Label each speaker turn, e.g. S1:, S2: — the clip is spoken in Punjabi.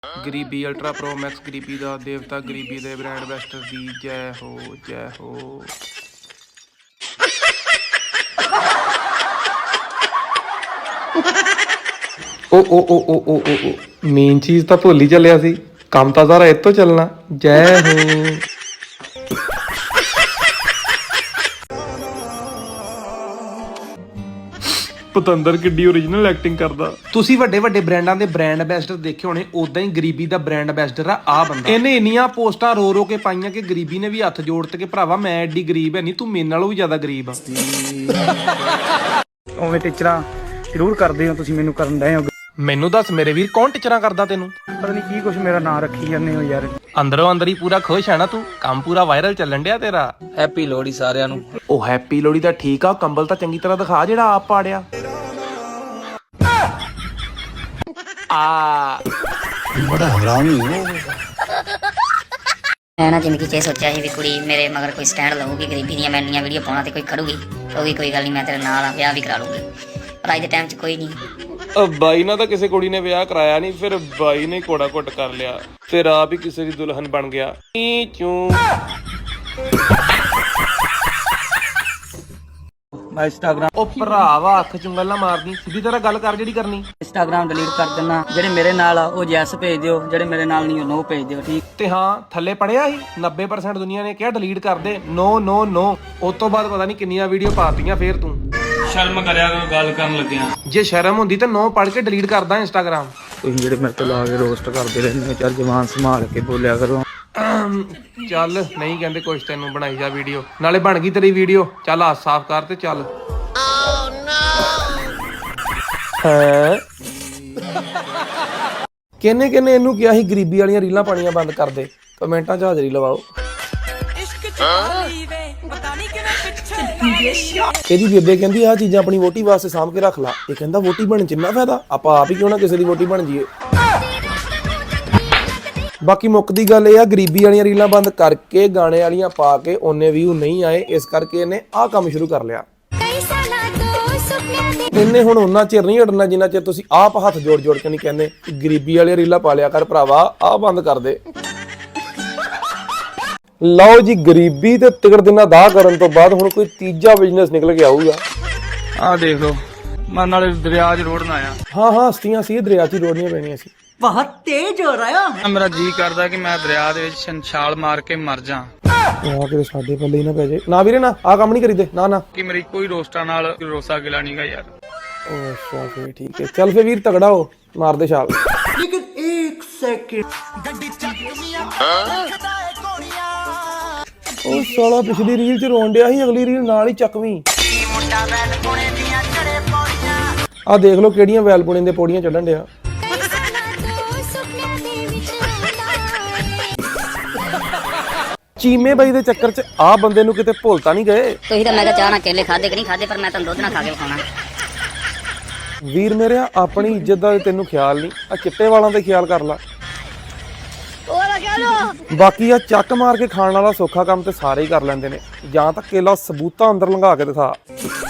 S1: ਗਰੀਬੀ ਅਲਟਰਾ ਪ੍ਰੋ ਮੈਕਸ ਗਰੀਬੀ ਦਾ ਦੇਵਤਾ ਗਰੀਬੀ ਦੇ ਬ੍ਰਾਂਡ ਐਂਬੈਸਡਰ ਦੀ ਜੈ ਹੋ ਜੈ ਹੋ। ਓ ਮੇਨ ਚੀਜ਼ ਤਾਂ ਭੁੱਲ ਹੀ ਚੱਲਿਆ ਸੀ, ਕੰਮ ਤਾਂ ਸਾਰਾ ਇੱਥੋਂ ਚੱਲਣਾ। ਜੈ ਹੋ। ਪਤੰਦਰ ਕਿੱਡੀ ਓਰੀਜਨਲ ਐਕਟਿੰਗ ਕਰਦਾ। ਤੁਸੀਂ ਵੱਡੇ ਵੱਡੇ ਬ੍ਰਾਂਡਾਂ ਦੇ ਬ੍ਰਾਂਡ ਐਂਬੈਸਡਰ ਦੇਖੇ ਹੋਣੇ, ਉਦਾਂ ਹੀ ਗਰੀਬੀ ਦਾ ਬ੍ਰਾਂਡ ਐਂਬੈਸਡਰ ਆ ਬੰਦਾ। ਇਹਨੇ ਇੰਨੀਆਂ ਪੋਸਟਾਂ ਰੋ ਰੋ ਕੇ ਪਾਈਆਂ ਕਿ ਗਰੀਬੀ ਨੇ ਵੀ ਹੱਥ ਜੋੜ ਤੇ ਕਿ ਭਰਾਵਾ ਮੈਂ ਐਡੀ ਗਰੀਬ ਹੈ ਨਹੀਂ, ਤੂੰ ਮੇਰੇ ਨਾਲੋਂ ਵੀ ਜ਼ਿਆਦਾ ਗਰੀਬ ਆ।
S2: ਉਵੇਂ ਟੀਚਰਾਂ ਜ਼ਰੂਰ ਕਰਦੇ ਹੋ ਤੁਸੀਂ, ਮੈਨੂੰ ਕਰਨ ਡਏ ਹੋ।
S1: ਮੈਨੂੰ ਦੱਸ ਮੇਰੇ ਵੀਰ, ਕੌਣ ਟੀਚਰਾਂ ਕਰਦਾ ਤੈਨੂੰ?
S2: ਪਤਾ ਨਹੀਂ ਕੀ ਕੁਛ ਮੇਰਾ ਨਾਂ ਰੱਖੀ ਜਾਂਦੇ ਹੋ ਯਾਰ।
S1: ਅੰਦਰੋਂ ਅੰਦਰ ਹੀ ਪੂਰਾ ਖੁਸ਼ ਹੈ ਨਾ ਤੂੰ, ਕੰਮ ਪੂਰਾ ਵਾਇਰਲ ਚੱਲਣ ਡਿਆ ਤੇਰਾ।
S3: ਹੈਪੀ ਲੋਹੜੀ ਸਾਰਿਆਂ ਨੂੰ।
S1: ਉਹ ਹੈਪੀ ਲੋਹੜੀ ਦਾ ਠੀਕ ਆ, ਕੰਬਲ ਤਾਂ ਚੰਗੀ ਤਰ੍ਹਾਂ ਦਿਖਾ ਜਿਹੜਾ ਆਪ ਪਾੜਿਆ।
S4: ਬੜਾ ਹਰਾਮੀ ਹੋ।
S5: ਮੈਂ ਨਾ ਜ਼ਿੰਦਗੀ 'ਚ ਇਹ ਸੋਚਿਆ ਸੀ ਵੀ ਕੁੜੀ ਮੇਰੇ ਮਗਰ ਕੋਈ ਸਟੈਂਡ ਲਊਗੀ, ਗਰੀਬੀ ਦੀਆਂ ਮੈਂ ਇੰਨੀਆਂ ਵੀਡੀਓ ਪਾਉਣਾ ਤੇ ਕੋਈ ਖੜੂਗੀ, ਕਹੂਗੀ ਕੋਈ ਗੱਲ ਨਹੀਂ ਮੈਂ ਤੇਰੇ ਨਾਲ ਆ, ਵਿਆਹ ਵੀ ਕਰਾ ਲੂੰਗੀ। ਪਰ ਅੱਜ ਦੇ ਟਾਈਮ 'ਚ ਕੋਈ ਨਹੀਂ।
S1: ਬਾਈ ਨਾਲ ਤਾਂ ਕਿਸੇ ਕੁੜੀ ਨੇ ਵਿਆਹ ਕਰਾਇਆ ਨਹੀਂ, ਫਿਰ ਬਾਈ ਨੇ ਕੋੜਾ ਘੁੱਟ ਕਰ ਲਿਆ, ਫਿਰ ਆਪ ਹੀ ਕਿਸੇ ਦੀ ਦੁਲਹਨ ਬਣ ਗਿਆ।
S3: ਮੈਂ ਇੰਸਟਾਗ੍ਰਾਮ
S1: ਉਹ ਭਰਾਵਾ ਅੱਖ ਚੁੰਗਲ ਨਾ ਮਾਰਦੀ, ਸਿੱਧੀ ਤਰ੍ਹਾਂ ਗੱਲ ਕਰ ਜਿਹੜੀ ਕਰਨੀ।
S3: ਡਿਲੀਟ ਕਰ ਦਿੰਨਾ। ਜਿਹੜੇ ਮੇਰੇ ਨਾਲ ਆ ਉਹ ਯੈਸ ਭੇਜ ਦਿਓ, ਜਿਹੜੇ ਮੇਰੇ ਨਾਲ ਨਹੀਂ ਉਹ ਨੋ ਭੇਜ ਦਿਓ, ਠੀਕ।
S1: ਤੇ ਹਾਂ ਥੱਲੇ ਪੜਿਆ ਸੀ 90% ਦੁਨੀਆ ਨੇ ਕਿਹਾ ਡਿਲੀਟ ਕਰ ਦੇ, ਨੋ ਨੋ ਨੋ। ਉਸ ਤੋਂ ਬਾਅਦ ਪਤਾ ਨਹੀਂ ਕਿੰਨੀਆਂ ਵੀਡੀਓ ਪਾਤੀਆਂ। ਫੇਰ ਤੂੰ
S2: ਸ਼ਰਮ ਕਰਿਆ ਕਰੋ ਗੱਲ ਕਰਨ ਲੱਗਿਆ।
S1: ਜੇ ਸ਼ਰਮ ਹੁੰਦੀ ਤਾਂ ਨੋ ਪੜ ਕੇ ਡਿਲੀਟ ਕਰਦਾ ਇੰਸਟਾਗ੍ਰਾਮ।
S2: ਤੁਸੀਂ ਜਿਹੜੇ ਮੇਰੇ ਤੋਂ ਲਾ ਕੇ ਰੋਸਟ ਕਰਦੇ ਰਹਿੰਦੇ ਹੋ, ਚੱਲ ਜ਼ਬਾਨ ਸੰਭਾਲ ਕੇ ਬੋਲਿਆ ਕਰੋ।
S1: ਚੱਲ ਨਹੀਂ ਕਹਿੰਦੇ ਕੁਛ, ਤੈਨੂੰ ਬਣਾਈ ਜਾ ਵੀਡੀਓ, ਨਾਲੇ ਬਣ ਗਈ ਤੇਰੀ ਵੀਡੀਓ। ਚੱਲ ਹੱਥ ਸਾਫ਼ ਕਰ ਤੇ ਚੱਲ। ਕਿੰਨੇ ਇਹਨੂੰ ਕਿਹਾ ਸੀ ਗਰੀਬੀ ਵਾਲੀਆਂ ਰੀਲਾਂ ਪਾਣੀਆਂ ਬੰਦ ਕਰ ਦੇ? ਕਮੈਂਟਾਂ 'ਚ ਹਾਜ਼ਰੀ ਲਵਾਓ। ਇਹਦੀ ਬੇਬੇ ਕਹਿੰਦੀ ਆਹ ਚੀਜ਼ਾਂ ਆਪਣੀ ਵੋਟੀ ਵਾਸਤੇ ਸਾਂਭ ਕੇ ਰੱਖ ਲਾ। ਇਹ ਕਹਿੰਦਾ ਵੋਟੀ ਬਣਨ 'ਚ ਇੰਨਾ ਫਾਇਦਾ, ਆਪਾਂ ਆਪ ਹੀ ਕਿਉਂ ਨਾ ਕਿਸੇ ਦੀ ਵੋਟੀ ਬਣ ਜਾਈਏ। ਬਾਕੀ ਮੁੱਕਦੀ ਗੱਲ ਇਹ ਆ, ਗਰੀਬੀ ਵਾਲੀਆਂ ਰੀਲਾਂ ਬੰਦ ਕਰਕੇ ਗਾਣੇ ਵਾਲੀਆਂ ਪਾ ਕੇ ਉਹਨੇ ਵਿਊ ਨਹੀਂ ਆਏ, ਇਸ ਕਰਕੇ ਇਹਨੇ ਆਹ ਕੰਮ ਸ਼ੁਰੂ ਕਰ ਲਿਆ। ਇਹਨੇ ਹੁਣ ਉਹਨਾਂ ਚਿਰ ਨਹੀਂ ਹਟਣਾ ਜਿੰਨਾ ਚਿਰ ਤੁਸੀਂ ਆਪ ਹੱਥ ਜੋੜ ਕੇ ਨਹੀਂ ਕਹਿੰਦੇ ਗਰੀਬੀ ਵਾਲੀਆਂ ਰੀਲਾਂ ਪਾ ਲਿਆ ਕਰ ਭਰਾਵਾ, ਆਹ ਬੰਦ ਕਰ ਦੇ। ਲਓ ਜੀ, ਗਰੀਬੀ ਤੇ ਤਿਕੜ ਦਿਨਾਂ ਦਾ ਕਰਨ ਤੋਂ ਬਾਅਦ ਹੁਣ ਕੋਈ ਤੀਜਾ ਬਿਜ਼ਨਸ ਨਿਕਲ ਕੇ ਆਊਗਾ।
S2: ਆਹ ਦੇਖ ਲਓ, ਮੈਂ ਨਾਲੇ ਦਰਿਆ 'ਚ ਰੋੜਨਾ ਆ।
S1: ਹਾਂ ਹਸਤੀਆਂ ਸੀ, ਦਰਿਆ 'ਚ ਰੋੜਨੀਆਂ ਪੈਣੀਆਂ ਸੀ।
S3: ਬਹੁਤ ਤੇਜ਼ ਹੋ ਰਿਹਾ।
S2: ਮੇਰਾ ਜੀ ਕਰਦਾ ਕਿ ਮੈਂ ਦਰਿਆ ਦੇ ਵਿੱਚ ਛਾਲ ਮਾਰ ਕੇ ਮਰ ਜਾ।
S1: ਆ ਕਿਤੇ ਸਾਡੇ ਪੱਲੇ ਹੀ ਨਾ ਪੈ ਜਾਏ। ਨਾ ਵੀਰੇ ਨਾ, ਆਹ ਕੰਮ ਨਹੀਂ ਕਰੀਦੇ। ਨਾ
S2: ਕਿ ਮੇਰੀ ਕੋਈ ਰੋਸਟਾਂ ਨਾਲ ਰੋਸਾ ਗਿਲਾ ਨਹੀਂਗਾ ਯਾਰ।
S1: ਅੱਛਾ ਫੇਰ ਠੀਕ ਹੈ, ਚੱਲ ਫੇਰ ਵੀਰ ਤਗੜਾ ਹੋ, ਮਾਰ ਦੇ ਛਾਲ।
S3: ਲੇਕਿਨ 1 ਸੈਕਿੰਡ।
S1: ਉਹ ਸਾਲਾ ਪਿਛਲੀ ਰੀਲ 'ਚ ਰੋਣ ਡਿਆ ਸੀ, ਅਗਲੀ ਰੀਲ ਨਾਲ ਹੀ ਚੱਕਵੀਂ। ਆਹ ਦੇਖ ਲਓ ਕਿਹੜੀਆਂ ਵੈਲਪੁਣੇ ਦੇ ਪੌੜੀਆਂ ਚੜ੍ਹਨ ਡਿਆ। ਚੀਮੇ ਬਾਈ ਦੇ ਚੱਕਰ 'ਚ ਆਹ ਬੰਦੇ ਨੂੰ ਕਿਤੇ ਭੁੱਲ ਤਾਂ ਨਹੀਂ ਗਏ?
S5: ਤੁਸੀਂ ਤਾਂ ਮੈਂ ਕਿਹਾ ਚਾਹ ਨਾਲ ਕੇਲੇ ਖਾਦੇ ਕਿ ਨਹੀਂ ਖਾਦੇ, ਪਰ ਮੈਂ ਤੁਹਾਨੂੰ ਦੁੱਧ ਨਾਲ ਖਾ ਕੇ ਵਿਖਾਉਣਾ।
S1: ਵੀਰ ਮੇਰਿਆ, ਆਪਣੀ ਇੱਜ਼ਤ ਦਾ ਤੈਨੂੰ ਖਿਆਲ ਨਹੀਂ, ਆ ਚਿੱਟੇ ਵਾਲਾਂ ਦਾ ਖਿਆਲ ਕਰ ਲਾ। ਬਾਕੀ ਆ ਚੱਕ ਮਾਰ ਕੇ ਖਾਣ ਵਾਲਾ ਸੌਖਾ ਕੰਮ ਤੇ ਸਾਰੇ ਹੀ ਕਰ ਲੈਂਦੇ ਨੇ, ਜਾਂ ਤਾਂ ਕੇਲਾ ਸਬੂਤਾਂ ਅੰਦਰ ਲੰਘਾ ਕੇ ਦਿਖਾ।